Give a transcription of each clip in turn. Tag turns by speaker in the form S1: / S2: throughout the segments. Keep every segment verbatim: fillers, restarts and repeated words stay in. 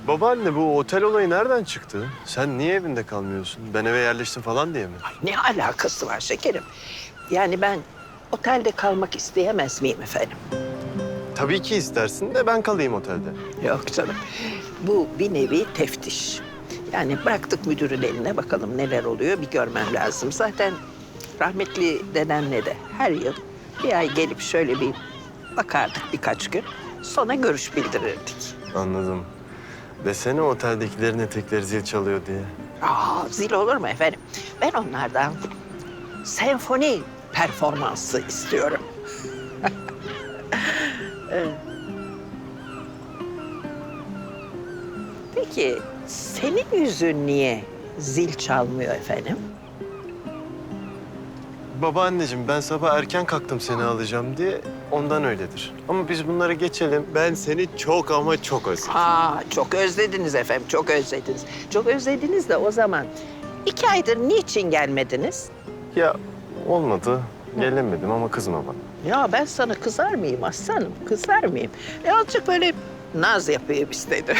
S1: Babaanne bu otel olayı nereden çıktı? Sen niye evinde kalmıyorsun? Ben eve yerleştim falan diye mi?
S2: Ay, ne alakası var şekerim? Yani ben otelde kalmak isteyemez miyim efendim?
S1: Tabii ki istersin de ben kalayım otelde.
S2: Yok canım. Bu bir nevi teftiş. Yani bıraktık müdürün eline, bakalım neler oluyor bir görmem lazım. Zaten rahmetli dedemle de her yıl bir ay gelip şöyle bir bakardık birkaç gün. Sonra görüş bildirirdik.
S1: Anladım. Desene oteldekilerin etekleri zil çalıyor diye.
S2: Aa, zil olur mu efendim? Ben onlardan senfoni performansı istiyorum. Evet. Peki senin yüzün niye zil çalmıyor efendim?
S1: Babaanneciğim ben sabah erken kalktım seni alacağım diye ondan öyledir. Ama biz bunları geçelim. Ben seni çok ama çok özledim.
S2: Aa, çok özlediniz efendim, çok özlediniz. Çok özlediniz de o zaman iki aydır niçin gelmediniz?
S1: Ya olmadı. Gelemedim ama kızma bana.
S2: Ya ben sana kızar mıyım aslanım, kızar mıyım? E azıcık böyle naz yapayım istedim.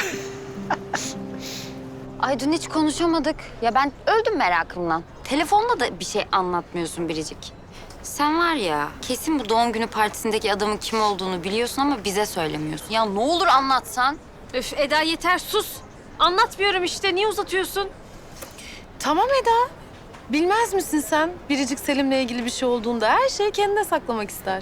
S3: Ay dün hiç konuşamadık. Ya ben öldüm merakımdan. Telefonla da bir şey anlatmıyorsun Biricik. Sen var ya kesin bu doğum günü partisindeki adamın kim olduğunu biliyorsun ama bize söylemiyorsun. Ya ne olur anlatsan.
S4: Öf Eda yeter sus. Anlatmıyorum işte. Niye uzatıyorsun?
S5: Tamam Eda. Bilmez misin sen? Biricik Selim'le ilgili bir şey olduğunda her şeyi kendine saklamak ister.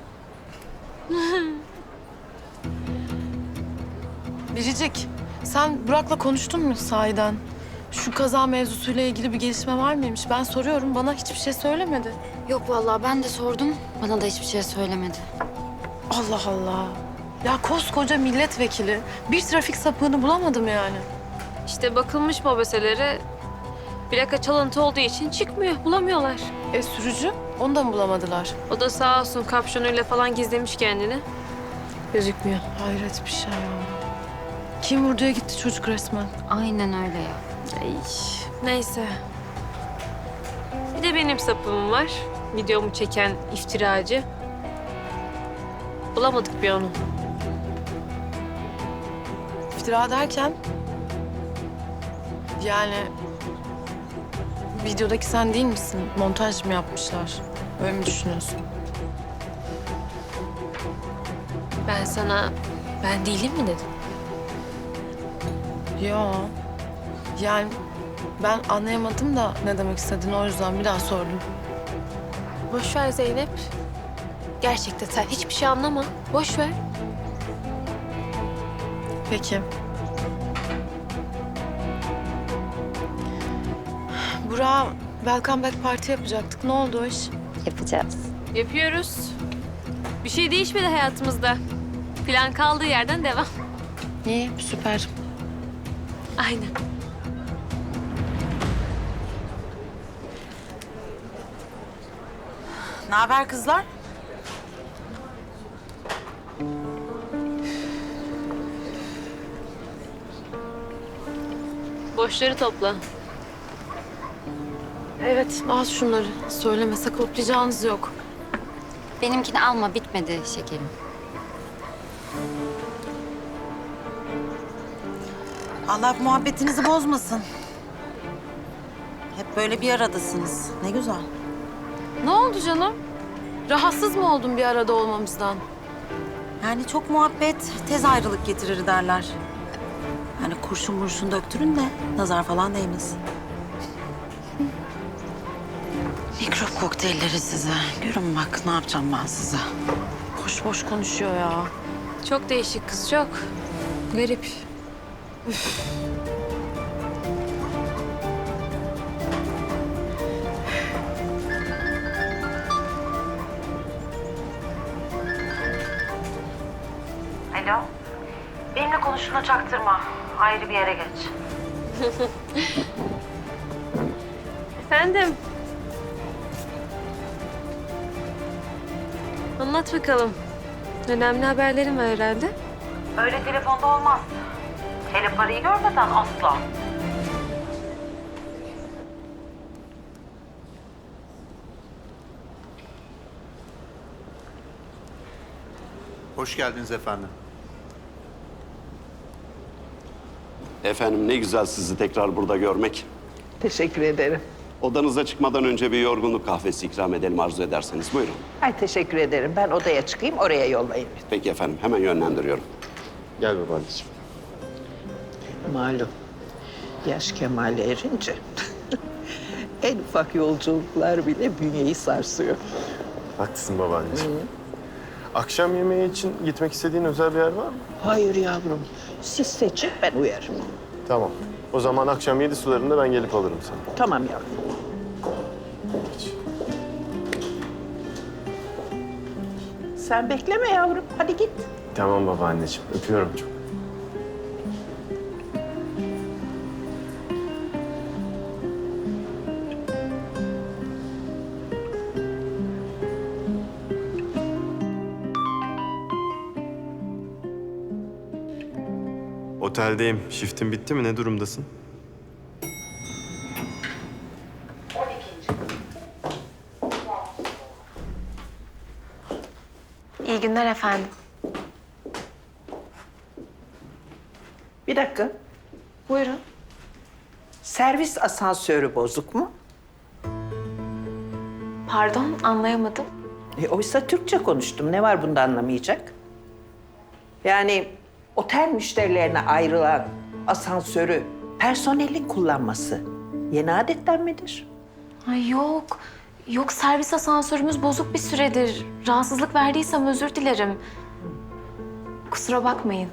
S5: Biricik, sen Burak'la konuştun mu sahiden? Şu kaza mevzusuyla ilgili bir gelişme var mıymış? Ben soruyorum, bana hiçbir şey söylemedi.
S3: Yok vallahi ben de sordum. Bana da hiçbir şey söylemedi.
S5: Allah Allah. Ya koskoca milletvekili. Bir trafik sapığını bulamadım yani.
S4: İşte bakılmış mobeselere plaka çalıntı olduğu için çıkmıyor. Bulamıyorlar.
S5: E sürücü? Onu da mı bulamadılar?
S4: O da sağ olsun kapşonuyla falan gizlemiş kendini. Gözükmüyor.
S5: Hayret bir şey ya. Kim vurduya gitti çocuk resmen.
S3: Aynen öyle ya.
S4: Ay, neyse. Bir de benim sapığım var. Videomu çeken iftiracı. Bulamadık bir onu.
S5: İftira derken... Yani... Videodaki sen değil misin? Montaj mı yapmışlar? Öyle mi düşünüyorsun?
S4: Ben sana ben değilim mi dedim?
S5: Ya. Yani ben anlayamadım da ne demek istediğini, o yüzden bir daha sordum.
S4: Boş ver Zeynep. Gerçekten sen hiçbir şey anlama. Boş ver.
S5: Peki. Burak'a Welcome Back Party yapacaktık. Ne oldu o iş?
S3: Yapacağız.
S4: Yapıyoruz. Bir şey değişmedi hayatımızda. Plan kaldığı yerden devam.
S5: İyi, süper.
S4: Aynen.
S6: Ne haber kızlar?
S4: Boşları topla.
S5: Evet, al şunları. Söyleme, saklayacağınız yok.
S3: Benimkini alma bitmedi şekerim.
S6: Allah muhabbetinizi bozmasın. Hep böyle bir aradasınız. Ne güzel.
S5: Ne oldu canım? Rahatsız mı oldun bir arada olmamızdan?
S6: Yani çok muhabbet tez ayrılık getirir derler. Yani kurşun murşun döktürün de nazar falan değmesin. Mikrop kokteylleri size. Görün bak ne yapacağım ben size.
S5: Boş boş konuşuyor ya.
S4: Çok değişik kız, çok. Garip.
S6: Alo. Benimle konuştuğuna çaktırma. Ayrı bir yere geç.
S4: Efendim. Anlat bakalım. Önemli haberlerim var herhalde.
S6: Öyle telefonda olmaz. Hele parayı görmeden asla.
S7: Hoş geldiniz efendim. Efendim ne güzel sizi tekrar burada görmek.
S2: Teşekkür ederim.
S7: Odanıza çıkmadan önce bir yorgunluk kahvesi ikram edelim arzu ederseniz. Buyurun.
S2: Ay teşekkür ederim. Ben odaya çıkayım, oraya yollayayım.
S7: Peki efendim, hemen yönlendiriyorum.
S1: Gel babaanneciğim.
S2: Malum, yaş kemale erince en ufak yolculuklar bile bünyeyi sarsıyor.
S1: Haklısın babaanneciğim. Akşam yemeği için gitmek istediğin özel bir yer var mı?
S2: Hayır yavrum, siz seçin, ben uyarım.
S1: Tamam. O zaman akşam yedi sularında ben gelip alırım seni.
S2: Tamam yavrum. Sen bekleme yavrum, hadi git.
S1: Tamam babaanneciğim. Öpüyorum çok. Oteldeyim. Shiftin bitti mi? Ne durumdasın?
S8: İyi günler efendim.
S2: Bir dakika,
S8: Buyurun.
S2: servis asansörü bozuk mu?
S8: Pardon, anlayamadım.
S2: E, oysa Türkçe konuştum. Ne var bunda anlamayacak? Yani otel müşterilerine ayrılan asansörü personelin kullanması yeni adetten midir?
S8: Ay yok. Yok, servis asansörümüz bozuk bir süredir. Rahatsızlık verdiysem özür dilerim. Kusura bakmayın.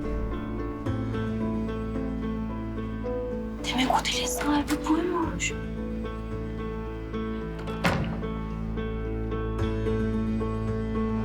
S8: Demek otelin sahibi buymuş.